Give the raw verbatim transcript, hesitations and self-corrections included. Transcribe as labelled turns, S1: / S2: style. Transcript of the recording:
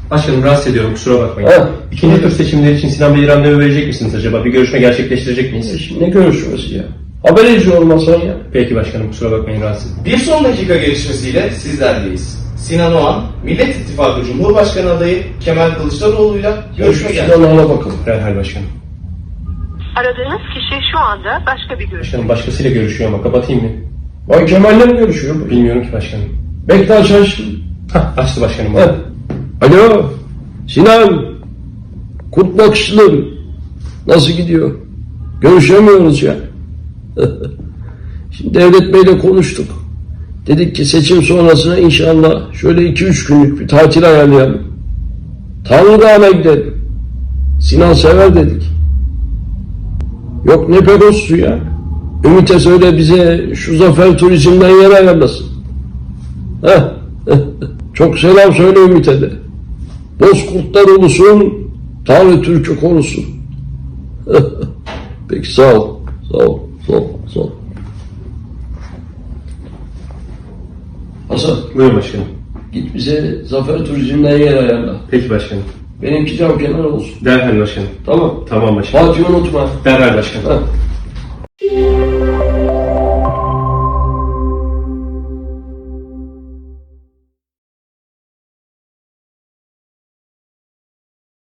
S1: Başkanım rahatsız ediyorum, kusura bakmayın.
S2: Ha.
S1: İkinci tur seçimleri için Sinan Bey'e randevu verecek misiniz acaba? Bir görüşme gerçekleştirecek miyiz?
S2: E şimdi ne görüşmesi ya? Haber edici olmasan ya.
S1: Peki başkanım, kusura bakmayın, rahatsız.
S3: Bir son dakika gelişmesiyle sizlerleyiz. Sinan Oğan, Millet İttifakı Cumhurbaşkanı adayı Kemal Kılıçdaroğlu'yla görüşme gerçekleştirdi.
S2: Silahlarına bakalım.
S1: Derhal başkanım.
S4: Aradığınız kişi şu anda başka bir görüşme.
S1: Başkanım başkasıyla görüşüyor ama kapatayım mı?
S2: Bay Kemal'le mi görüşüyor bu?
S1: Bilmiyorum ki başkanım.
S2: Bekle aç aç.
S1: Hah, açtı başkanım.
S2: Ha. Alo. Sinan. Kurt bakışlı. Nasıl gidiyor? Görüşemiyoruz ya. Şimdi Devlet Bey'le konuştuk. Dedik ki seçim sonrasına inşallah şöyle iki üç günlük bir tatil ayarlayalım. Tanrı Dağı'na gidelim. Sinan sever dedik. Yok ne Pegasus'u ya. Ümit'e söyle bize şu Zafer Turizm'den yer ayarlasın. Heh. Çok selam söyle Ümit'e de. Bozkurtlar ulusun, Tanrı Türk'ü korusun. Peki sağ ol. Sağ ol. Sağ ol. Sağ ol. Hasan
S1: Buyurun başkanım.
S2: git bize Zafer Turizm'den yer ayarla.
S1: Peki başkanım.
S2: Benimki cam kenarı olsun.
S1: Derhal başkanım.
S2: Tamam.
S1: Tamam başkanım.
S2: Fatih unutma.
S1: Derhal başkanım.
S2: Ha.